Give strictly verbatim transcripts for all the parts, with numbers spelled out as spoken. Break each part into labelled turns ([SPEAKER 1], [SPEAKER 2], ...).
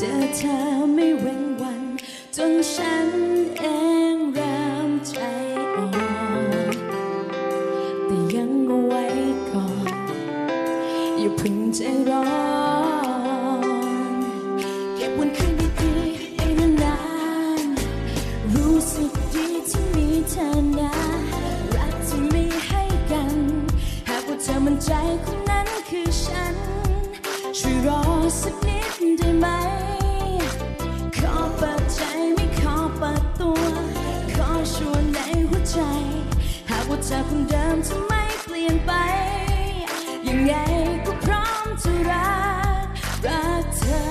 [SPEAKER 1] อเธอไม่เว้นวันจนฉันเองเริ่มใจอ่อนแต่ยังเอาไว้ก่อนอย่าเพิ่งใจร้อนเก็บวันคืนดีๆไปนานๆรู้สึกดีที่มีเธอนะรักที่มีให้กันหากว่าเธอมั่นใจคนนั้นคือฉันช่วยรอสักนิดได้ไหมขอเปิดใจไม่ขอเปิดตัวขอชวนในหัวใจหากว่าเธอคนเดิมจะไม่เปลี่ยนไปยังไงก็พร้อมจะรักรักเธอ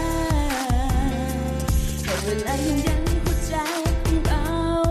[SPEAKER 1] แต่เวลายังยันหัวใจของเรา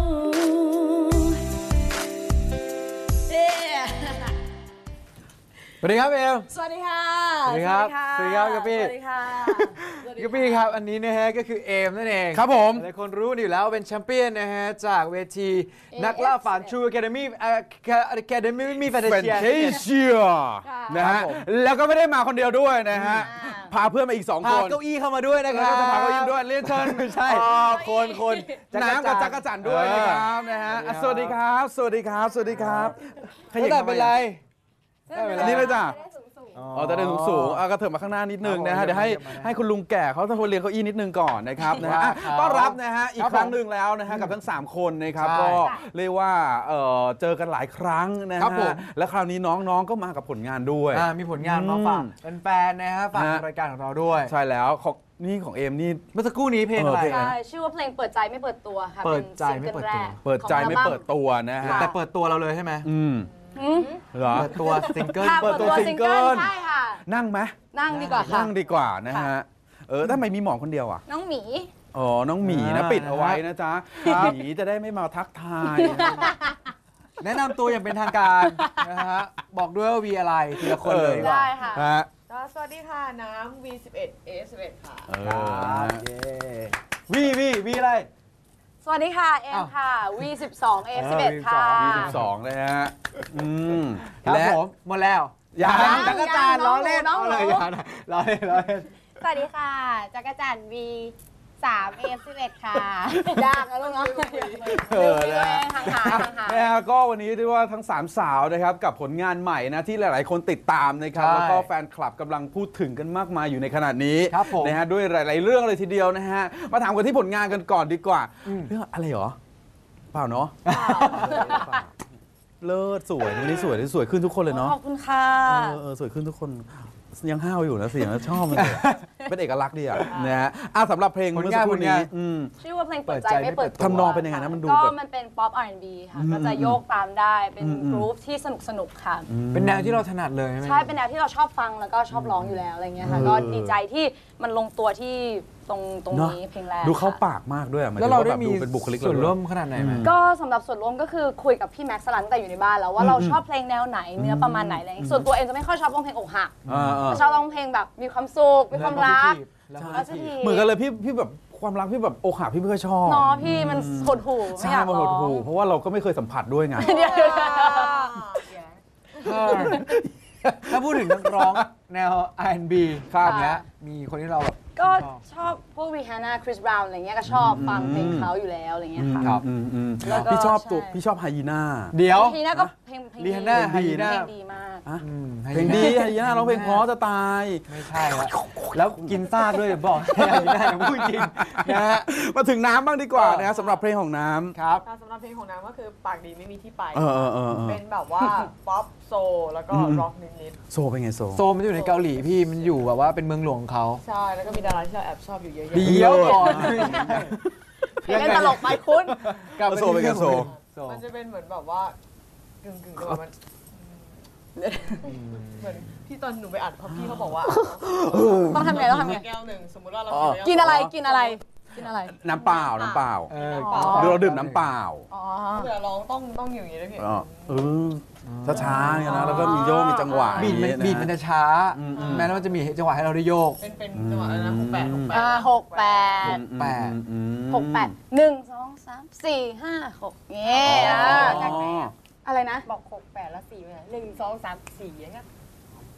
[SPEAKER 2] สวัสดีครับเอม
[SPEAKER 3] สวัสดีค่ะ
[SPEAKER 2] สวัสดีครับสวัสดีครับกะปี้
[SPEAKER 3] สวัสดีค่ะ
[SPEAKER 2] กะปี้ครับอันนี้นะฮะก็คือเอมนั่นเอง
[SPEAKER 4] ครับผม
[SPEAKER 2] หลายคนรู้อยู่แล้วเป็นแชมเปี้ยนนะฮะจากเวทีนักล่าฝัน True Academy Academy มีแฟนเชีย
[SPEAKER 4] นะฮะแล้วก็ไม่ได้มาคนเดียวด้วยนะฮะพาเพื่อนมาอีกสองค
[SPEAKER 2] พาน เก้าอี้เข้ามาด้วยนะครับ
[SPEAKER 4] พาเก้าอี้ด้วยเรียนเชิญ
[SPEAKER 2] ไม่ใช่คนคน
[SPEAKER 4] น้ำกับจักรจันทร์ด้วยนะครับนะฮะสวัสดีครับสวัสดีครับสวัสดีครับ
[SPEAKER 2] ขยับเป็นไร
[SPEAKER 4] อันนี้เลยจ้ะอ๋อจะได้สูงสูงก็เถิบมาข้างหน้านิดนึงนะฮะเดี๋ยวให้ให้คุณลุงแก่เขาต้องเรียนเก้าอี้นิดนึงก่อนนะครับนะฮะต้อนรับนะฮะอีกครั้งหนึ่งแล้วนะฮะกับทั้งสามคนนะครับก็เรียกว่าเจอกันหลายครั้งนะฮะและคราวนี้น้องๆก็มากับผลงานด้วย
[SPEAKER 2] มีผลงานมาฝากแฟนๆนะฮะฝากรายการของเราด้วย
[SPEAKER 4] ใช่แล้วของนี่ของเอมนี่
[SPEAKER 2] เมื่อสักครู่นี้เพลงอะไร
[SPEAKER 3] ใช่ชื่อว่าเพลงเปิดใจไม่เปิดตัวค่ะ
[SPEAKER 2] เปิดใจไม่เปิดตัว
[SPEAKER 4] เปิดใจไม่เปิดตัวนะฮะ
[SPEAKER 2] แต่เปิดตัวเราเลยใช่ไหม
[SPEAKER 4] อืมเหรอ
[SPEAKER 2] เปิดตัวซิงเกิล
[SPEAKER 3] เปิดตัวซิงเกิลใช่ค่ะ
[SPEAKER 4] นั่งไหม
[SPEAKER 3] นั่งดีกว่าค่ะ
[SPEAKER 4] นั่งดีกว่านะฮะเออทำไมมีหมอนคนเดียวอ่ะ
[SPEAKER 3] น้องหมี
[SPEAKER 4] อ๋อน้องหมีนะปิดเอาไว้นะจ๊ะหมีจะได้ไม่มาทักทาย
[SPEAKER 2] แนะนำตัวอย่างเป็นทางการนะฮะบอกด้วยว่าวีอะไรทีละคนเลย
[SPEAKER 3] ได้ค่ะ
[SPEAKER 5] สวัสดีค่ะน้ำ วี สิบเอ็ด เอ สิบเอ็ด ค่ะ
[SPEAKER 2] วีวีวีอะไร
[SPEAKER 3] สวัสดีค่ะเอ็มค่ะ วี สิบสอง เอ สิบเอ็ด ค่ะ
[SPEAKER 4] วี สิบสองเลยฮะอืม
[SPEAKER 2] ครับผมหมดแล้ว
[SPEAKER 3] ยัง
[SPEAKER 2] จักรจันทร์ล้อเล่นเอาเลยอย่านะล้อเล่นล้อเล่น
[SPEAKER 6] สวัสดีค่ะจักรจันทร์ วี สาม เอ สิบเอ็ด ค่ะ
[SPEAKER 3] ยากแล้วเนาะ
[SPEAKER 4] เออนะนะฮะก็วันนี้เรียกว่าทั้งสามสาวนะครับกับผลงานใหม่นะที่หลายๆคนติดตามนะครับแล้วก็แฟนคลับกำลังพูดถึงกันมากมายอยู่ในขณะนี้นะฮะด้วยหลายๆเรื่องเลยทีเดียวนะฮะมาถามกันที่ผลงานกันก่อนดีกว่าเรื่องอะไรหรอเปล่าเนาะเลิศสวยวันนี้สวยสวยขึ้นทุกคนเลยเนาะ
[SPEAKER 3] ขอบคุณค่ะ
[SPEAKER 4] เออสวยขึ้นทุกคนยังห้าวอยู่นะเสียงชอบมันเลยเป็นเอกลักษณ์ดีอ่ะนะฮะอ่ะสำหรับเพลงเมื่อสักครู่นี้
[SPEAKER 3] ชื่อว่าเพลงเปิดใจไม่เปิดตัว
[SPEAKER 4] ทำนองเป็นยังไงนะมันดู
[SPEAKER 3] ก็มันเป็นป๊อป อาร์ แอนด์ บี ค่ะก็จะโยกตามได้เป็นกรุ๊ปที่สนุกสนุกค่ะ
[SPEAKER 2] เป็นแนวที่เราถนัดเลยใช่ไหม
[SPEAKER 3] ใช่เป็นแนวที่เราชอบฟังแล้วก็ชอบร้องอยู่แล้วอะไรเงี้ยค่ะก็ดีใจที่มันลงตัวที่ตรงตรงนี้เพลงแรก
[SPEAKER 4] ดูเข้าปากมากด้วย
[SPEAKER 2] แล้วเราได้มีส่วนร่วมขนาดไหนไหม
[SPEAKER 3] ก็สำหรับส่วนร่วมก็คือคุยกับพี่แม็กซ์สลันแต่อยู่ในบ้านแล้วว่าเราชอบเพลงแนวไหนเนื้อประมาณไหนอะไรส่วนตัวเองจะไม่ค่อยชอบร้องเพลงอกหักชอบร้องเพลงแบบมีความสุขมีความรัก
[SPEAKER 4] เหมือนกันเลยพี่พี่แบบความรักพี่แบบอกหักพี่ไม่ค่อยชอบ
[SPEAKER 3] เนาะพี่มันหดหู่
[SPEAKER 4] ใช่มันหดหู่เพราะว่าเราก็ไม่เคยสัมผัสด้วยไง
[SPEAKER 2] ถ้าพูดถึงนักร้องแนว อาร์ แอนด์ บี ครับเนี้ยมีคนที่เราแบบ
[SPEAKER 3] ก็ชอบพวกริฮาน่าคริสบราวน์อะไรเงี้ยก็ชอบฟังเพลงเขาอยู่แล้วอะไรเงี้ยค่ะ
[SPEAKER 4] ครับพี่ชอบตัวพี่ชอบไฮยีน่า
[SPEAKER 2] เดี๋ยว
[SPEAKER 3] ไฮยีน่าก็เพลงเพลง
[SPEAKER 2] ริฮาน่าไฮยีน่า
[SPEAKER 3] เพลงดีมาก
[SPEAKER 4] เพลงดีไฮยีน่าร้องเพลงเพราะจะตาย
[SPEAKER 2] ไม่ใช่แล้วแล้วกินซากด้วยบอกไฮยีน่าอย่างพูดจริงนะฮะ
[SPEAKER 4] มาถึงน้ำบ้างดีกว่านะสำหรับเพลงของน้ำ
[SPEAKER 2] ครับ
[SPEAKER 5] สำหรับเพลงของน้ำก็คือปากดีไม่มีที่ไป
[SPEAKER 4] เ
[SPEAKER 5] เป็นแบบว่าป๊อปโซแล้วก็ร็อกนิด
[SPEAKER 4] ๆโซเป็นไงโซ
[SPEAKER 2] โซมันอยู่ในเกาหลีพี่มันอยู่แบบว่าเป็นเมืองหลวงของเขา
[SPEAKER 5] ใช่แล้วก็มีดาราที่เราแอบชอบอยู่เยอะๆ
[SPEAKER 2] เดี๋ยวก่อน
[SPEAKER 3] เล่นตลกไปคุณ
[SPEAKER 4] กับโซเป็นไงโซ
[SPEAKER 5] มันจะเป็นเหมือนแบบว่ากึ่งกึ่งมันเหมือนที่ตอนหนูไปอ่านพอพี่เขาบอกว่า
[SPEAKER 3] ต้องทำไงต้องทำไง
[SPEAKER 5] แก้วหนึ่งสมมติว่าเรา
[SPEAKER 3] กินอะไรกินอะไรกินอะไร
[SPEAKER 4] น้ำเปล่าน้ำเปล่าเราดื่มน้ำเปล่า
[SPEAKER 5] เดี๋ยวร้องต้องต้องอย่างนี้ด้วยพี่
[SPEAKER 4] เออช้าๆเนี่ยนะแล้วก็มีโยกมีจังหวะ
[SPEAKER 2] บีดมันบีดมันจะช้าแม้ว่าจะมีจังหวะให้เราได้โยก
[SPEAKER 5] เป็นเป็นจังหวะอะไรนะหกแปดหกแปด
[SPEAKER 3] หกแปด
[SPEAKER 2] แปด
[SPEAKER 3] หกแปดหนึ่งสองสามสี่ห้าหกเงี้ยอะไรนะ
[SPEAKER 5] บอกหกแปดแล้วสี่ไปหนึ่งสองสามสี่อย่างเงี้ย
[SPEAKER 3] แ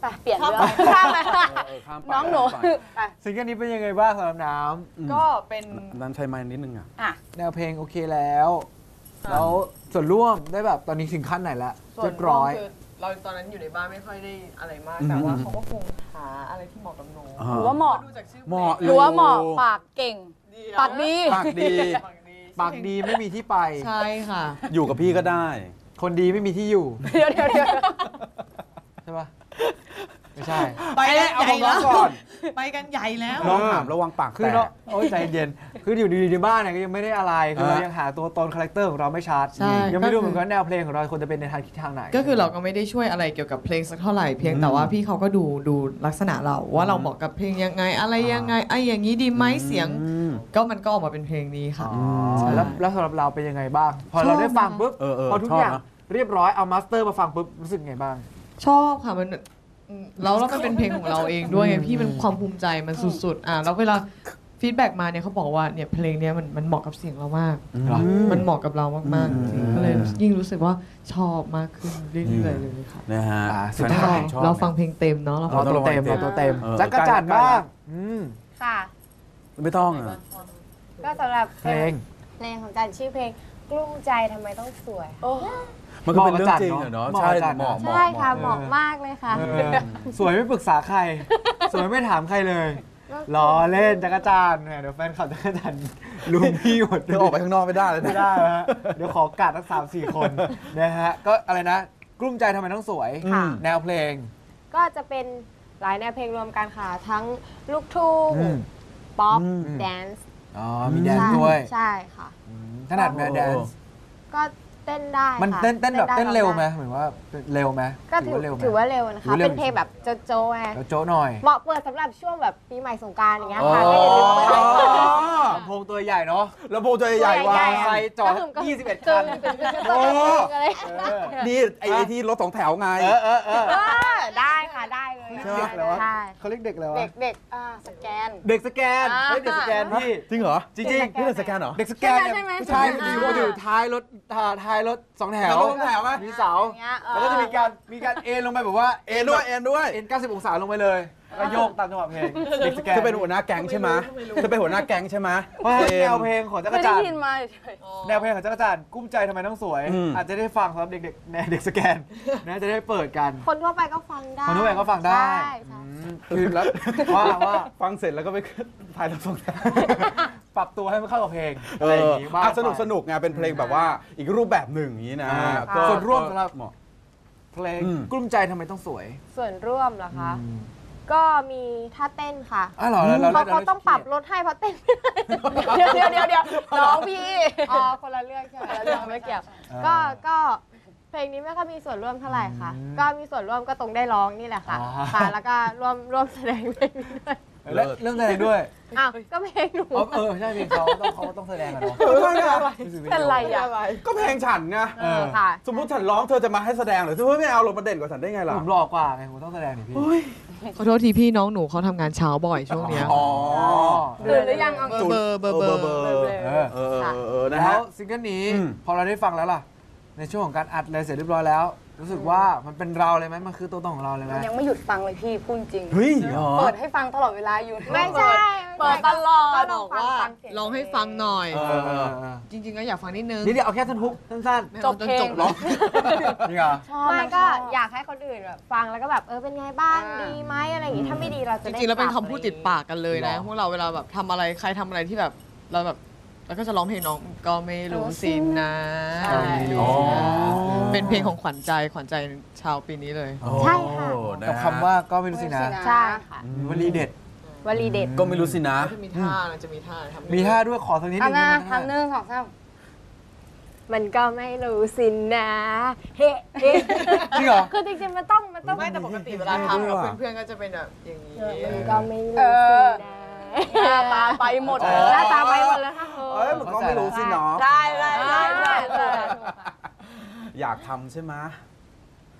[SPEAKER 3] ไปเปลี่ยนเรื่องข้ามไปน้องหนู
[SPEAKER 2] ซิงเกิลนี้เป็นยังไงบ้างสำหรับน้ำ
[SPEAKER 5] ก็เป็น
[SPEAKER 4] นั้นใช้ไม้นิดนึงอ่ะ
[SPEAKER 3] อ่ะ
[SPEAKER 2] แนวเพลงโอเคแล้วแล้วส่วนร่วมได้แบบตอนนี้ถึงขั้นไหนละ
[SPEAKER 5] ส่ว
[SPEAKER 2] เรี
[SPEAKER 5] น
[SPEAKER 2] ยบร้อย
[SPEAKER 5] คือเราตอนนั้นอยู่ในบ้านไม่ค่อยได้อะไรมาก
[SPEAKER 4] อืม
[SPEAKER 5] แต่ว่าเขาก็คงหาอะไรที่เหมาะกับหนู
[SPEAKER 4] อ่า
[SPEAKER 3] หรือว่าเหมาะ
[SPEAKER 5] ดูจากชื่อเพ
[SPEAKER 4] เห
[SPEAKER 5] ล
[SPEAKER 4] มาะ
[SPEAKER 5] ง
[SPEAKER 3] หรือว่าเหมาะปากเก่ง
[SPEAKER 5] ดี
[SPEAKER 3] ปากดี
[SPEAKER 4] ปากดี
[SPEAKER 5] ปากดี
[SPEAKER 2] ปากดีไม่มีที่ไป
[SPEAKER 5] ใช่ค่ะ
[SPEAKER 4] อยู่กับพี่ก็ได้
[SPEAKER 2] คนดีไม่มีที่อยู่
[SPEAKER 3] เดี๋ยวเดี๋ยวเดี๋ยว
[SPEAKER 2] ใช่ปะไม่ใช่
[SPEAKER 5] ไปกัน
[SPEAKER 2] เอา
[SPEAKER 5] ใหญ่
[SPEAKER 2] ของน้
[SPEAKER 5] แล้
[SPEAKER 2] อง
[SPEAKER 5] ว
[SPEAKER 2] ก่อน
[SPEAKER 5] ไปกันใหญ่แล้ว
[SPEAKER 4] น้องถามระวังปาก
[SPEAKER 2] คือ
[SPEAKER 4] แต
[SPEAKER 2] เรา
[SPEAKER 4] ก
[SPEAKER 2] โอ้ยใจเย็นคืออยู่ดีๆในบ้านเนี่ยก็ยังไม่ได้อะไรคือเรา
[SPEAKER 4] อ่ะ
[SPEAKER 2] ยังหาตัวตนคาแรคเตอร์ของเราไม่ชัด
[SPEAKER 7] ใช่
[SPEAKER 2] ยังไม่รู้เหมือน
[SPEAKER 7] ก็คือ
[SPEAKER 2] กันว่าแนวเพลงของเราควรจะเป็นในทางทิศทางไหน
[SPEAKER 7] ก็คือเราก็ไม่ได้ช่วยอะไรเกี่ยวกับเพลงสักเท่าไหร่เพียงแต่ว่าพี่เขาก็ดูดูลักษณะเราว่าเราเหมาะกับเพลงยังไงอะไรยังไงไอ้อย่างนี้ดีไหมเสียง
[SPEAKER 4] อืม
[SPEAKER 7] ก็มันก็ออกมาเป็นเพลงนี้ค่ะ
[SPEAKER 2] อ๋อ
[SPEAKER 7] ใช่
[SPEAKER 2] แล้วแล้วสำหรับเราเป็นยังไงบ้าง พอเราได้ฟังปุ๊บ
[SPEAKER 4] เออเออ
[SPEAKER 2] พอทุก
[SPEAKER 4] ชอบ
[SPEAKER 2] อย่าง
[SPEAKER 4] นะ
[SPEAKER 2] เรียบร้อยเอามาสเตอร์มาฟังปุ๊บรู้สึกไงบ้าง
[SPEAKER 7] ชอบค่ะมันอืมแล้วแล้วมันเป็นเพลงของเราเองด้วยไงพี่มันความภูมิใจมันสุดๆอ่ะแล้วเวลาฟีดแบ็กมาเนี่ยเขาบอกว่าเนี่ยเพลงเนี้ยมันมันเหมาะกับเสียงเรามาก
[SPEAKER 2] เหรอ
[SPEAKER 7] มันเหมาะกับเรามาก
[SPEAKER 4] อืม
[SPEAKER 7] ๆจริงๆก็เลยยิ่งรู้สึกว่าชอบมากขึ้นเรื่อยๆเลยค่ะ
[SPEAKER 4] นะฮะ
[SPEAKER 2] อ่าสุด
[SPEAKER 4] แฟนค
[SPEAKER 2] ท้าย
[SPEAKER 4] ลับชอบ
[SPEAKER 7] เราฟังเพลงเต็มเนาะเราฟั
[SPEAKER 2] เอา
[SPEAKER 7] ง
[SPEAKER 2] ตัวเต็มเอาตัวเต็ม
[SPEAKER 4] เออ
[SPEAKER 2] จักรจันทร์บ้างอืม
[SPEAKER 6] ค่ะ
[SPEAKER 4] ไม่ต้องอ่ะ
[SPEAKER 6] ก็สำหรับ
[SPEAKER 2] เพลง
[SPEAKER 6] เพลงของจันชื่อเพลงกลุ้มใจทำไมต้องสวย
[SPEAKER 4] มันก็เป็นเรื่องจริงอะเนาะ
[SPEAKER 2] เหมาะ
[SPEAKER 4] ใช่
[SPEAKER 2] กับจันทร์
[SPEAKER 4] เหมาะ
[SPEAKER 2] เนอะ
[SPEAKER 4] เหมาะ
[SPEAKER 6] ใช่ค่ะ
[SPEAKER 4] เห
[SPEAKER 6] เห
[SPEAKER 4] มาะ
[SPEAKER 6] มาะมากเลยค่ะ
[SPEAKER 2] เออสวยไม่ปรึกษาใคร สวยไม่ถามใครเลยล้อเล่นจักรจันทร์แหมเดี๋ยวแฟนคลับจักรจันทร์ลุมพี่หมด
[SPEAKER 4] เธอออกไปข้างนอกไม่ได้เลย
[SPEAKER 2] ไม่
[SPEAKER 4] นะ
[SPEAKER 2] ได้นะฮะเดี๋ยวขอกัดทั้งสามสี่คนนะฮะก็อะไรนะกลุ้มใจทำไมต้องสวย
[SPEAKER 6] ค่ะ
[SPEAKER 2] แนวเพลง
[SPEAKER 6] ก็จะเป็นหลายแนวเพลงรวมกันค่ะ ทั้งลูกทุ่ง
[SPEAKER 2] อืม
[SPEAKER 6] ป๊อป
[SPEAKER 4] อืม
[SPEAKER 6] แดนซ์
[SPEAKER 2] อ๋อมีแดนซ์ด้วย
[SPEAKER 6] ใช่ค่ะ
[SPEAKER 2] ถนัดไหมแดนซ์
[SPEAKER 6] ก็เต้นได้
[SPEAKER 2] มัน
[SPEAKER 6] ค่ะ
[SPEAKER 2] เต้นเต้นแบบ
[SPEAKER 6] ได้
[SPEAKER 2] เต้นเร็วไหม
[SPEAKER 6] ได้
[SPEAKER 2] เหมือนว่าเร็วไหม
[SPEAKER 6] ก็ถือ
[SPEAKER 2] เร็วไหม
[SPEAKER 6] ถือว่าเร็วนะ
[SPEAKER 2] ถือ
[SPEAKER 6] คะ
[SPEAKER 2] ว่าเร็ว
[SPEAKER 6] เป็นเพลงแบบโจโจ้ไง
[SPEAKER 2] แล้วโจ้หน่อย
[SPEAKER 6] เหมาะเปิดสำหรับช่วงแบบปีใหม่สงกรานต์อย่างเงี้ย
[SPEAKER 2] อ๋อ
[SPEAKER 6] ค่ะก็อย่าลืมเปิด
[SPEAKER 2] ลำโพงตัวใหญ่เนาะ
[SPEAKER 4] แล้วโพจะใหญ่ๆว่า
[SPEAKER 6] ใหญ่ๆ
[SPEAKER 2] ใส่จอด
[SPEAKER 6] ก็คือก็
[SPEAKER 2] ยี่สิบเอ็ด
[SPEAKER 6] ตึ
[SPEAKER 2] คั
[SPEAKER 6] ง
[SPEAKER 2] น
[SPEAKER 6] ตึงตึงตึง
[SPEAKER 4] โอ้
[SPEAKER 6] อะไร
[SPEAKER 2] เออ
[SPEAKER 4] นี่ไอ้ไอ้ที่รถสองแถวไง
[SPEAKER 2] เออเออเออ
[SPEAKER 6] เออได้ค่ะได้เลย
[SPEAKER 2] ใช่ไหมแล้ววะ
[SPEAKER 6] ใช่
[SPEAKER 2] เขาเรียกเด็กแล้ววะ
[SPEAKER 6] เด็กเด็กอ่าสแกน
[SPEAKER 2] เด็กสแกน
[SPEAKER 6] อ่า
[SPEAKER 2] เฮ้ยเด็กสแกนพี่
[SPEAKER 4] จริงเหรอ
[SPEAKER 2] จริง
[SPEAKER 6] เด็ก
[SPEAKER 2] ๆ
[SPEAKER 4] นี่เป็นสแกนเหรอ
[SPEAKER 2] เด็กสแกนเนี่ย
[SPEAKER 6] ใช่ไหม
[SPEAKER 2] ผู้ชาย
[SPEAKER 6] ใช่
[SPEAKER 2] อ
[SPEAKER 6] ไหม
[SPEAKER 2] ยู่อยู่ท้ายรถท้าท้ายรถสองแถว
[SPEAKER 4] แล้วรถสองแถวไหม
[SPEAKER 2] มีเสา
[SPEAKER 6] อย่างเงี้ยเออ
[SPEAKER 2] แล้วก็จะมีการมีการเอ็นลงไปแบบว่า
[SPEAKER 4] เอ็นด้วยเอ็นด้วย
[SPEAKER 2] เอ็นเก้าสิบองศาลงไปเลยแล้วก็โยกตามจังหวะเพลงเด็กสแกน
[SPEAKER 4] จะเป็นหัวหน้าแก๊งใช่ไหมจะเป็นหัวหน้าแก๊งใช่ไหม
[SPEAKER 2] เพราะฉะนั้นแนวเพลงของจัก
[SPEAKER 3] เค
[SPEAKER 2] ร
[SPEAKER 3] ยได้
[SPEAKER 2] จันท
[SPEAKER 3] ยิน
[SPEAKER 2] ร์
[SPEAKER 3] มาเฉย
[SPEAKER 2] แนวเพลงของจักรจันทร์กุ้มใจทำไมต้องสวย
[SPEAKER 4] อืม
[SPEAKER 2] อาจจะได้ฟังสำหรับเด็กๆแนวเด็กสแกนนะจะได้เปิดกัน
[SPEAKER 6] คนทั่วไปก็ฟังได้
[SPEAKER 2] คนทั่วไปก็ฟังได้
[SPEAKER 6] ใช่ใช่
[SPEAKER 2] คือแล้วว่าว่า
[SPEAKER 4] ฟังเสร็จแล้วก็ไปขึ้นถ่ายรถสองแถว
[SPEAKER 2] ปรับตัวให้มันเข้ากับเพลง
[SPEAKER 4] เอ
[SPEAKER 2] อะไรอ
[SPEAKER 4] อย่าง
[SPEAKER 2] งี้บ้าง
[SPEAKER 4] อ่ะสนุกสนุกไงเป็นเพลงแบบว่าอีกรูปแบบหนึ่งอย่างนี้นะ
[SPEAKER 2] อ่า
[SPEAKER 4] ก็
[SPEAKER 2] ส่วนร่วมสำหรับ
[SPEAKER 4] เหมาะ
[SPEAKER 2] เพลง
[SPEAKER 4] อืม
[SPEAKER 2] กลุ้มใจทำไมต้องสวย
[SPEAKER 6] ส่วนร่วมเหรอคะ ก็มีท่าเต้นค่ะ
[SPEAKER 2] อ๋อเหรอเรา
[SPEAKER 6] เพราะเขาต้องปรับรถให้เพราะเต้นไม่ได้
[SPEAKER 3] ๆเดี๋ยวเดี๋ยวเดี๋ยวน้องพี่
[SPEAKER 6] อ๋อคนละเรื่องใช่ไหม
[SPEAKER 3] เรื่องไม่เกี่ยว
[SPEAKER 6] ก็ก็เพลงนี้ไม่ค่อยมีส่วนร่วมเท่าไหร่ค่ะ ก็มีส่วนร่วมก็ตรงได้ร้องนี่แหละค่ะค่ะ แล้วก็ร่วมร่วมแสดงเพลงนี้ด้วย
[SPEAKER 2] และเรื่องแสดงด้วย
[SPEAKER 6] อ้าวก็เพลงหนู
[SPEAKER 2] อ๋อเออใช่เพลงเขาต้องเขาต้องแสดงอะเนาะ
[SPEAKER 3] เป็นไรอ่ะ
[SPEAKER 4] ก็เพลงฉันไง
[SPEAKER 2] เออ
[SPEAKER 6] ค่ะ
[SPEAKER 4] สมมติฉันร้องเธอจะมาให้แสดงเหรือเธอไม่เอาลงมาเด่นกว่าฉันได้ไงล่ะ
[SPEAKER 2] ผมหล่อกว่าไงผมต้องแสดงนี่พี่
[SPEAKER 7] ขอโทษทีพี่น้องหนูเขาทำงานเช้าบ่อยช่วงเนี้ย
[SPEAKER 4] อ๋อ
[SPEAKER 3] ตื่นหรือยังเอา
[SPEAKER 7] เบอร์เบอร์เบอร์
[SPEAKER 4] เบอร์
[SPEAKER 2] เออ
[SPEAKER 4] เออเออเออนะ
[SPEAKER 2] แล้
[SPEAKER 4] ฮะ
[SPEAKER 2] วซิงเกิลนี้
[SPEAKER 4] อืม
[SPEAKER 2] พอเราได้ฟังแล้วล่ะ ในช่วงของการอัดเลยเสร็จเรียบร้อยแล้ว รู้สึกว่ามันเป็นเราเลยไหมมันคือตัวตนของเราเลยไหม
[SPEAKER 3] ยังไม่หยุดฟังเลยพี่พูดจริง
[SPEAKER 4] เฮ้ยเหรอ
[SPEAKER 3] เปิดให้ฟังตลอดเวลาอยู่
[SPEAKER 6] ไม่ใช่
[SPEAKER 3] เปิดตลอด
[SPEAKER 6] ก็
[SPEAKER 7] บ
[SPEAKER 6] ลอ
[SPEAKER 7] อง ก
[SPEAKER 6] ฟัง
[SPEAKER 7] ว่า
[SPEAKER 6] ฟังเสียง
[SPEAKER 7] ลองให้ฟังหน่อย
[SPEAKER 4] เออเออ
[SPEAKER 7] จริงๆก็อยากฟังนิดนึง
[SPEAKER 2] นี่เดี๋ยวเอาแค่ท่อนฮุกสั้น
[SPEAKER 7] ไม่
[SPEAKER 3] จ
[SPEAKER 7] เอา
[SPEAKER 3] บ
[SPEAKER 7] จน
[SPEAKER 3] เพลง
[SPEAKER 7] จบหรอก
[SPEAKER 2] ๆนี่เหรอ
[SPEAKER 3] ชอบ
[SPEAKER 6] ไม่
[SPEAKER 3] นาง
[SPEAKER 6] ก็
[SPEAKER 3] ชบ
[SPEAKER 6] อยากให้คนอื่นแบบฟังแล้วก็แบบเออเป็นไงบ้างดีไหมอะไรอย่างงี้ถ้าไม่ดีเราจะ
[SPEAKER 7] จ
[SPEAKER 6] ได้
[SPEAKER 7] ริงๆแล้วเป็น
[SPEAKER 6] ป
[SPEAKER 7] คำพูดติดปากกันเลยนะ
[SPEAKER 2] หรอ
[SPEAKER 7] พวกเราเวลาแบบทำอะไรใครทำอะไรที่แบบเราแบบแล้วก็จะร้องเพลงน้องก็ไม่รู้สินะ
[SPEAKER 3] ใช่
[SPEAKER 7] ไม่รู้สินะเป็นเพลงของขวัญใจขวัญใจชาวปีนี้เลย
[SPEAKER 6] ใช่ค่ะ
[SPEAKER 4] โอ้นะฮะ
[SPEAKER 2] กับคำว่าก็ไม่รู้สินะ
[SPEAKER 6] ใช่ค่ะ
[SPEAKER 2] วลีเด็ด
[SPEAKER 6] วลีเด็ด
[SPEAKER 4] ก็ไม่รู้สินะ
[SPEAKER 7] จะมีท่านะจะมีท่าทำ
[SPEAKER 2] มีท่าด้วยขอสักนิดหนึ
[SPEAKER 3] ทำ
[SPEAKER 2] ง
[SPEAKER 3] นะ
[SPEAKER 2] ได้ไหม
[SPEAKER 3] ทำหนึ่งสองสาม
[SPEAKER 6] มันก็ไม่รู้สินะเฮ้เฮ้
[SPEAKER 2] จริงเหรอ
[SPEAKER 6] คือจริงๆมันต้องมันต้อง
[SPEAKER 7] ไม่แต่ปกติเวลาทำกับเพื่อนๆก็จะเป็นแบบอย่างนี้
[SPEAKER 6] มันก็ไม่รู้
[SPEAKER 3] เอ
[SPEAKER 6] สิ
[SPEAKER 3] อ
[SPEAKER 6] นะ
[SPEAKER 3] หน้าตาไปหมด
[SPEAKER 2] เอ
[SPEAKER 3] เล
[SPEAKER 2] อ
[SPEAKER 3] ย
[SPEAKER 6] หน้าตาไปหมดแล้วค่ะ
[SPEAKER 4] เอ้ยมันก็ไม่รู้สิเนาะ
[SPEAKER 3] ได้ได้ได้ได้ได้
[SPEAKER 4] อยากทำใช่ไหม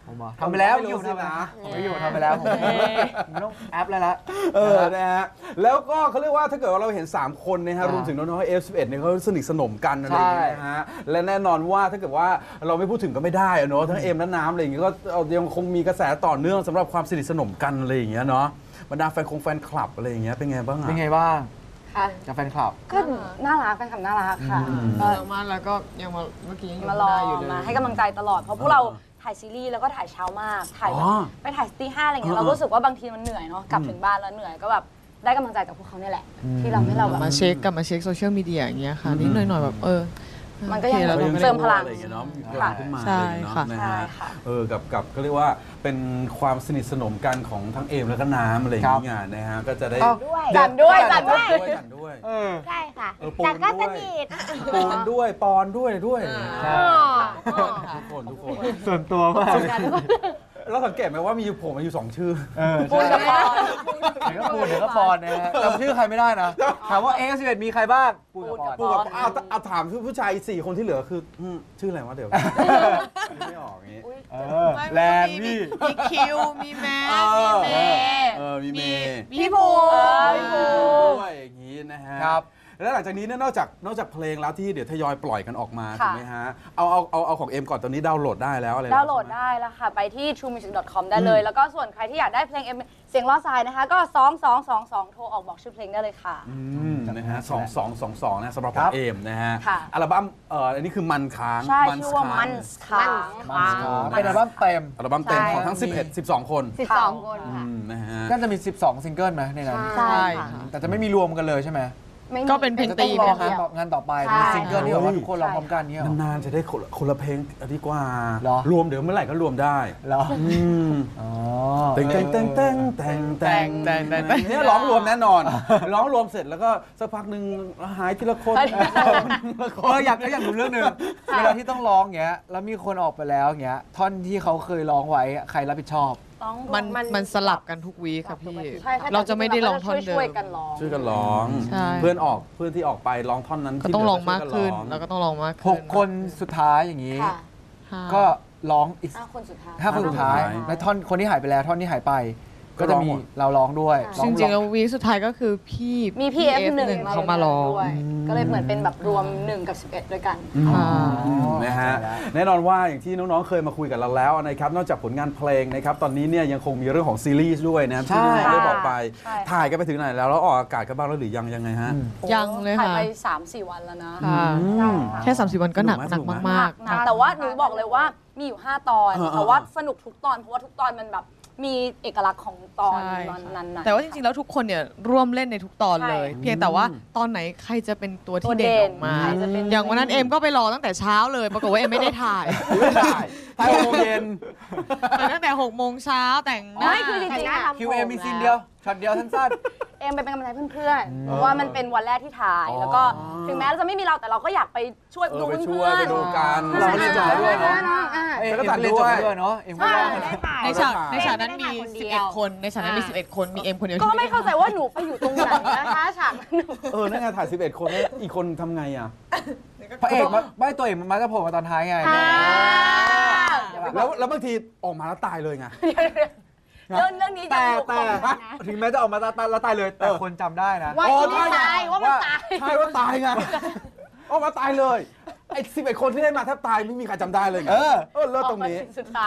[SPEAKER 2] ผมทำไปแล้วอยู่ทำนะผมไม่อยู่ทำไปแล้วผมไม่ต้องแอปแล้วละ
[SPEAKER 4] เออนะฮะแล้วก็เขาเรียกว่าถ้าเกิดว่าเราเห็นสามคนนะฮะรวมถึงน้องๆ เอฟ สิบเอ็ด เนี่ยเขาสนิทสนมกันอะไรอย่างเงี้ยนะฮะและแน่นอนว่าถ้าเกิดว่าเราไม่พูดถึงก็ไม่ได้เนาะทั้งเอ็มและน้ำอะไรอย่างเงี้ยก็ยังคงมีกระแสต่อเนื่องสำหรับความสนิทสนมกันอะไรอย่างเงี้ยเนาะบรรดาแฟนคงแฟนคลับอะไรอย่างเงี้ยเป็นไงบ้างอ่ะ
[SPEAKER 2] เป็นไงบ้าง
[SPEAKER 3] ค่ะ
[SPEAKER 2] กับแฟนคลับ
[SPEAKER 3] ก็น่ารักแฟนคลับน่ารักค่ะ
[SPEAKER 7] ก็มาแล้วก็ยังมาเมื่อกี้ยัง
[SPEAKER 3] มารอมาให้กำลังใจตลอดเพราะพวกเราถ่ายซีรีส์แล้วก็ถ่ายเช้ามากถ่ายไปถ่ายตีห้าอะไรเงี้ยเรารู้สึกว่าบางทีมันเหนื่อยเนาะกลับถึงบ้านแล้วเหนื่อยก็แบบได้กำลังใจจากพวกเขาเนี่ยแหละที่เราให้เราแบบ
[SPEAKER 7] มาเช็คกลับมาเช็คโซเชียลมีเดียอย่างเงี้ยค่ะนิดหน่อยๆแบบเออ
[SPEAKER 3] มันก็ยังเติมพลัง
[SPEAKER 4] อะไรอย่างเงี้ยเนาะมีพลังขึ้นมาอะไรอย่างเงี้ยนะฮะเออกับกับก็เรียกว่าเป็นความสนิทสนมกันของทั้งเอมแล้วก็น้ำอะไรอย่างเงี้ยนะฮะก็จะได้
[SPEAKER 3] จันด้วยจันด้วย
[SPEAKER 4] จันด้วย
[SPEAKER 6] ใช่ค่ะจันก็สนิท
[SPEAKER 4] ปูนด้วยปอนด้วยด้วยทุกคนทุกคน
[SPEAKER 2] ส่วนตัวมาก
[SPEAKER 4] เราสังเกตไหมว่ามีผมมาอยู่สองชื่อ
[SPEAKER 3] ปูนกับปอน
[SPEAKER 2] เดี๋ยวก็ปูนเดี๋ยวก็ปอนนะฮะจำชื่อใครไม่ได้นะถามว่าเอฟสิบเอ็ดมีใครบ้างปูนกับปอน
[SPEAKER 4] เอาเอาถามผู้ชายสี่คนที่เหลือคือชื่ออะไรวะเดี๋ยวไม่ออกอย่างนี้
[SPEAKER 2] แรง
[SPEAKER 7] พี่มีคิวมีแม็กมีเมย์
[SPEAKER 4] เออมีเมย์
[SPEAKER 3] พี่ภู
[SPEAKER 4] พี่ภูด้วยอย่างนี้นะฮะครับแล้วหลังจากนี้เนี่ยนอกจากนอกจากเพลงแล้วที่เดี๋ยวทยอยปล่อยกันออกมาถูกไหมฮะเอาเอาเอาเอาของเอ็มก่อนตอนนี้ดาวน์โหลดได้แล้วอะไร
[SPEAKER 3] ดาวน์โหลดได้แล้วค่ะไปที่ ทรูมิวสิก ดอท คอม ได้เลยแล้วก็ส่วนใครที่อยากได้เพลงเอ็มเสียงล้อทรายนะคะก็สองสองสองสองโทรออกบอกชื่อเพลงได้เลยค่ะ
[SPEAKER 4] อืมนะฮะสองสองสองสองนะสำหรับเอ็มนะฮะอัลบั้มเอ่ออันนี้คือมันค้าง
[SPEAKER 3] ใช่ชื่อว่ามันค้าง
[SPEAKER 2] เป็นอัลบั้มเต็ม
[SPEAKER 4] อัลบั้มเต็มของทั้งสิบเอ็ด สิบสองคน
[SPEAKER 6] สิบสองคนค่ะ
[SPEAKER 4] นะฮะ
[SPEAKER 2] ก็จะมีสิบสองซิงเกิลนะในนั้น
[SPEAKER 3] ใช่
[SPEAKER 2] แต่จะไม่มีรวมกันเลยใช่ไหม
[SPEAKER 7] ก็เป็นเพลงตีมนะคะ
[SPEAKER 2] งานต่อไปมีซิงเกิลที่แบบว่าทุกคนร้องพร้อมกันเนี้ย
[SPEAKER 4] นานๆจะได้คนละเพลงดีกว่ารวมเดี๋ยวเมื่อไหร่ก็รวมได้
[SPEAKER 2] เหรอ
[SPEAKER 4] อ๋อแต่งแต่งแต่งแต่งแต่งแต่งแต่งแต่งเนี่ยร้องรวมแน่นอนร้องรวมเสร็จแล้วก็สักพักหนึ่งหายทีละคน
[SPEAKER 2] เอออยากก็อยากรู้เรื่องนึงเวลาที่ต้องร้องเงี้ยแล้วมีคนออกไปแล้วเงี้ยท่อนที่เขาเคยร้องไว้ใครรับผิดชอบ
[SPEAKER 7] มันมันสลับกันทุกวีค่ะพี่เราจะไม่ได้ร้องท่อนเดิม
[SPEAKER 3] ช่วยกันร้อง
[SPEAKER 4] ช่วยกันร้องเพื่อนออกเพื่อนที่ออกไปร้องท่อนนั้น
[SPEAKER 7] ก็ต้องร้องมากขึ้นแล้วก็ต้องร้องมากขึ้น
[SPEAKER 2] หกคนสุดท้ายอย่างนี้ก็ร้องอีก
[SPEAKER 3] ห้าคนสุดท้าย
[SPEAKER 2] ห้าคนสุดท้ายและท่อนคนที่หายไปแล้วท่อนที่หายไปก็จะมีเราร้องด้วย
[SPEAKER 7] จริงๆแล้ววีสุดท้ายก็คือพี่
[SPEAKER 3] มีพี่ เอฟ หนึ่ง
[SPEAKER 7] เขามาร้อง
[SPEAKER 3] ก็เลยเหมือนเป็นแบบรวมหนึ่งกับสิบเอ็ดด้วยกัน
[SPEAKER 4] นะฮะแน่นอนว่าอย่างที่น้องๆเคยมาคุยกับเราแล้วนะครับนอกจากผลงานเพลงนะครับตอนนี้เนี่ยยังคงมีเรื่องของซีรีส์ด้วยนะครับที่ได้บอกไปถ่ายกันไปถึงไหนแล้วแล้วออกอากาศกันบ้างแล้วหรือยังยังไงฮะ
[SPEAKER 7] ยังเลยค่ะ
[SPEAKER 3] ถ่ายไป สามสี่ วันแล้วนะ
[SPEAKER 7] แค่ สามสี่ วันก็หนักหนักมาก
[SPEAKER 3] ๆแต่ว่าหนูบอกเลยว่ามีอยู่ห้าตอนแต่ว่าสนุกทุกตอนเพราะว่าทุกตอนมันแบบมีเอกลักษณ์ของตอนนั้นๆ
[SPEAKER 7] แต่ว่าจริงๆแล้วทุกคนเนี่ยร่วมเล่นในทุกตอนเลยเพียงแต่ว่าตอนไหนใครจะเป็นตัวที่เด่นออกมาอย่างวันนั้นเอ็มก็ไปรอตั้งแต่เช้าเลยปรากฏว่าเอ็มไม่ได้ถ่าย
[SPEAKER 2] ไม่ถ่ายถ่ายหกโมงเย็น
[SPEAKER 7] ตั้งแต่หกโมงเช้าแต่งหน้า
[SPEAKER 3] คือจริงๆ
[SPEAKER 2] คิวเอ็มมีซีนเดียวช็อตเดียวสั้น
[SPEAKER 3] ๆเอ็มไปเป็นกำลังใจเพื่อนๆเพราะว่ามันเป็นวันแรกที่ถ่ายแล้วก็ถึงแม้จะไม่มีเราแต่เราก็อยากไปช่วยดูเพื่อน
[SPEAKER 4] ๆดูกัน
[SPEAKER 2] เราเรียนจบด้วยเนาะ
[SPEAKER 3] เอ็
[SPEAKER 2] มก็ตัดเรียนจบด้วยเนาะเอ็มก็
[SPEAKER 7] ในฉากในฉากนั้นมีสิบเอ็ดคนในฉากนั้นมีสิบเอ็ดคนมีเอ็มคนเดียว
[SPEAKER 3] ก็ไม่เข้าใจว่าหนูไปอยู่ตรงไหนนะคะฉากนั้น
[SPEAKER 4] เออนั่นไงถ่ายสิบเอ็ดคนแล้วอีกคนทำไงอ่ะ
[SPEAKER 2] พระเอกมาไม่ตัวเอกมันมาจะโผล่มาตอนท้ายไง
[SPEAKER 4] แล้วแล้วบางทีออกมาแล้วตายเลยไง
[SPEAKER 3] เรื่องเรื่องนี้
[SPEAKER 2] แต่แต่ถึงแม้จะออกมาตายแล้วตายเลยแต่คนจำได้นะ
[SPEAKER 3] ว่าไม่ตายว่ามันตาย
[SPEAKER 4] ใช่ว่าตายไงออกมาตายเลยไอ้สิบเอ็ดคนที่ได้มาแทบตายไม่มีใครจำได้เลยเออเออเลิศตรงนี้
[SPEAKER 3] สุดท้าย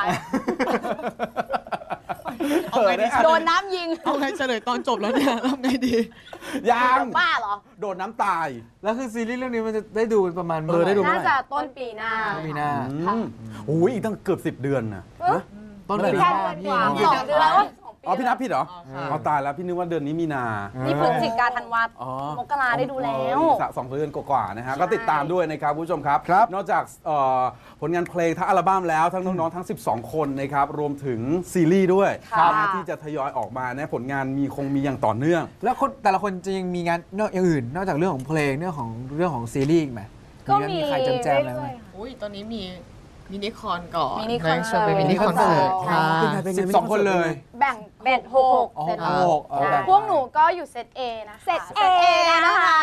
[SPEAKER 3] โดนน้ำยิง
[SPEAKER 7] เอาไงเฉลยตอนจบแล้วเนี่ยทำไงดี
[SPEAKER 4] ยัง
[SPEAKER 3] บ้าเหรอ
[SPEAKER 4] โดนน้ำตาย
[SPEAKER 2] แล้วคือซีรีส์เรื่องนี้มันจะได้ดูประมาณ
[SPEAKER 4] เออได้ดู
[SPEAKER 3] น่าจะต้นปีหน้า
[SPEAKER 2] ต้นปีหน้า
[SPEAKER 4] โอ้ยอีกตั้งเกือบสิบเดือนนะ
[SPEAKER 2] ต้นปีหน้าพี่
[SPEAKER 3] สองเดือนแล้ว
[SPEAKER 4] อ๋อพี่นับผิดเหรอเอาตายแล้วพี่นึกว่าเดือนนี้มีนา
[SPEAKER 3] นี่พฤศจิกาธันวามกราได้ดูแล้ว
[SPEAKER 4] สองเดือนกว่าๆนะฮะก็ติดตามด้วยนะครับผู้ชมครับนอกจากผลงานเพลงทั้งอัลบั้มแล้วทั้งน้องๆทั้งสิบสองคนนะครับรวมถึงซีรีส์ด้วยที่จะทยอยออกมานะผลงานมีคงมีอย่างต่อเนื่อง
[SPEAKER 2] แล้วคนแต่ละคนจะยังมีงานนอกอย่างอื่นนอกจากเรื่องของเพลงเรื่องของเรื่องของซีรีส์ไหม
[SPEAKER 3] ก็มี
[SPEAKER 2] ใครแจมๆอะไรไหม
[SPEAKER 7] อุ้ยตอนนี้มีมินิคอนก่อน
[SPEAKER 3] มินิคอนเสิร์ต
[SPEAKER 7] มินิคอนเสิร์ตค่ะ
[SPEAKER 2] สิบสองคนเลย
[SPEAKER 3] แบ่งเบ็ดหกเซตพวกหนูก็อยู่เซต A นะเซต A นะคะ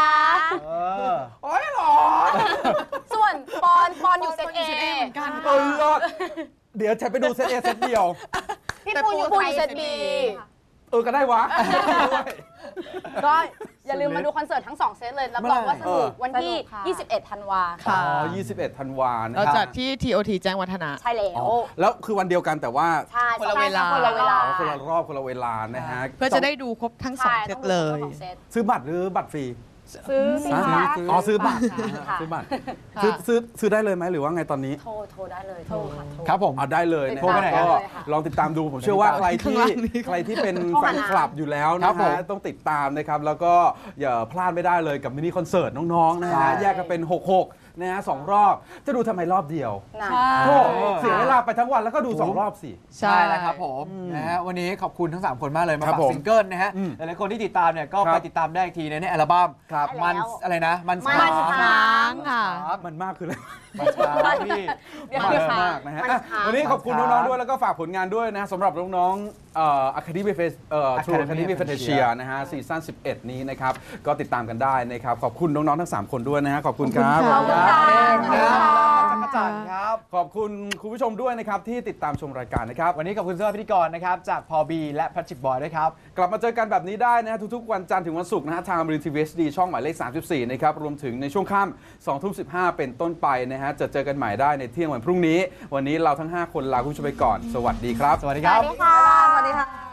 [SPEAKER 4] โอ้ยหรอ
[SPEAKER 3] ส่วนปอนปอนอยู่เซต A
[SPEAKER 7] เหมือนกัน
[SPEAKER 4] เออเดี๋ยวฉันไปดูเซตเอเซตเดียว
[SPEAKER 3] พี่ปูอยู่ปูอยู่เซตบี
[SPEAKER 4] เออก็ได้วะ
[SPEAKER 3] ก็อย่าลืมมาดูคอนเสิร์ตทั้งสองเซตเลยรับรองว่าสนุกวันที่
[SPEAKER 6] สนุกค่ะ
[SPEAKER 3] ยี่สิบเอ็ด ธันวา
[SPEAKER 7] ค่ะ
[SPEAKER 4] อ๋อยี่สิบเอ็ดธันวานะ
[SPEAKER 7] เรา
[SPEAKER 4] ค
[SPEAKER 7] จั
[SPEAKER 4] รั
[SPEAKER 7] ด
[SPEAKER 4] บ
[SPEAKER 7] ที่ ที โอ ที แจ้งวัฒนะ
[SPEAKER 3] ใช่แล้ว
[SPEAKER 4] อ๋อแล้วคือวันเดียวกันแต่ว่า
[SPEAKER 3] ใช่
[SPEAKER 7] คนละเวลา
[SPEAKER 3] คนละเวลา
[SPEAKER 4] อ๋อคนละรอบคนละเวลานะฮะ
[SPEAKER 7] เพื่อจะได้ดูครบทั้งสอง
[SPEAKER 3] ใช่
[SPEAKER 7] เซ
[SPEAKER 3] ต้
[SPEAKER 7] ต
[SPEAKER 3] องดู
[SPEAKER 7] เลย
[SPEAKER 3] ทั้งสองเซต
[SPEAKER 4] ซื้อบัตรหรือบัตรฟรี
[SPEAKER 3] ซื้อสิคะ
[SPEAKER 4] อ๋อซื้อบัตร
[SPEAKER 3] ค่ะ
[SPEAKER 4] ซื้อบัตรซื้อซื้อซื้อได้เลยไหมหรือว่าไงตอนนี้
[SPEAKER 3] โทรโทรได้เลยโทรค่ะโทร
[SPEAKER 2] ครับผม
[SPEAKER 4] เอาได้เลยนะ
[SPEAKER 3] โทรไปไหน
[SPEAKER 4] ก็
[SPEAKER 3] เลยค่ะ
[SPEAKER 4] ลองติดตามดูผมเชื่อว่าใครที่
[SPEAKER 7] ข้างล่างนี้
[SPEAKER 4] ใครที่เป็น
[SPEAKER 3] โทร
[SPEAKER 4] แฟ
[SPEAKER 3] หาน
[SPEAKER 4] คลับอยู่แล้ว
[SPEAKER 2] ครั
[SPEAKER 4] นะ
[SPEAKER 2] บผม
[SPEAKER 4] ฮะต้องติดตามนะครับแล้วก็อย่าพลาดไม่ได้เลยกับมินิคอนเสิร์ตน้องๆนะ
[SPEAKER 2] ใช่
[SPEAKER 4] ฮะแยกกันเป็นหกหกนะฮะสองรอบจะดูทำไมรอบเดียว
[SPEAKER 3] นะ
[SPEAKER 4] โอ้เสียเวลาไปทั้งวันแล้วก็ดูสองรอบสิ
[SPEAKER 2] ใช่แล้วครับผมนะฮะวันนี้ขอบคุณทั้ง สาม คนมากเลยมา
[SPEAKER 4] ครั
[SPEAKER 2] ฝา
[SPEAKER 4] บ
[SPEAKER 2] ก
[SPEAKER 4] ผม
[SPEAKER 2] ซิงเกิลนะฮะ
[SPEAKER 4] อืม
[SPEAKER 2] หลายๆคนที่ติดตามเนี่ยก็
[SPEAKER 4] ครับ
[SPEAKER 2] ไปติดตามได้อีกทีในอัลบั้ม
[SPEAKER 4] ครับ
[SPEAKER 2] มัน
[SPEAKER 3] แล้ว
[SPEAKER 2] อะไรนะ มัน
[SPEAKER 3] มัน
[SPEAKER 2] ค้าง
[SPEAKER 3] ค้าง
[SPEAKER 7] ค่ะ
[SPEAKER 2] ครับ
[SPEAKER 4] มันมากคืออะไร
[SPEAKER 2] มันค้างพี่
[SPEAKER 3] เดี๋ยว
[SPEAKER 4] มาก
[SPEAKER 3] เดี๋ยว
[SPEAKER 4] มากนะฮะ
[SPEAKER 3] มัน
[SPEAKER 4] อ่ะ
[SPEAKER 3] ค้าง
[SPEAKER 4] วันนี้ขอบคุณ
[SPEAKER 2] มันค้าง
[SPEAKER 4] น้องๆด้วยแล้วก็ฝากผลงานด้วยนะฮะสำหรับน้องๆเอ่อ Academy Face เอ่อ True
[SPEAKER 2] Academy
[SPEAKER 4] Academy
[SPEAKER 2] Fantasia
[SPEAKER 4] Fantasia นะฮะซีซั่นสิบเอ็ดนี้นะครับก็ติดตามกันได้นะครับขอบคุณน้องๆทั้งสามคนด้วยนะฮะขอบคุณครับ
[SPEAKER 7] ขอบคุณค่ะ
[SPEAKER 2] เองนะจักรจันทร์ครับ
[SPEAKER 4] ขอบคุณคุณผู้ชมด้วยนะครับที่ติดตามชมรายการนะครับ
[SPEAKER 2] วันนี้ขอบคุณสำหรับพิธีกรนะครับจากพอบีและแพทริกบอยด้วยครับ
[SPEAKER 4] กลับมาเจอกันแบบนี้ได้นะฮะทุกๆวันจันทร์ถึงวันศุกร์นะฮะทางบริษัททีวีเอสดีช่องหมายเลขสามสิบสี่นะครับรวมถึงในช่วงค่ำสองทุ่มสิบห้าเป็นต้นไปนะฮะจะเจอกันใหม่ได้ในเที่ยงวันพรุ่งนี้ วันนี้เราทั้งห้าคนลาคุณผู้ชมไปก่อนสวัสดีครับ
[SPEAKER 2] สวัสดี
[SPEAKER 3] ส
[SPEAKER 2] ครั
[SPEAKER 3] วั
[SPEAKER 2] บ
[SPEAKER 3] สดีค่ะ สวัสดีค่ะ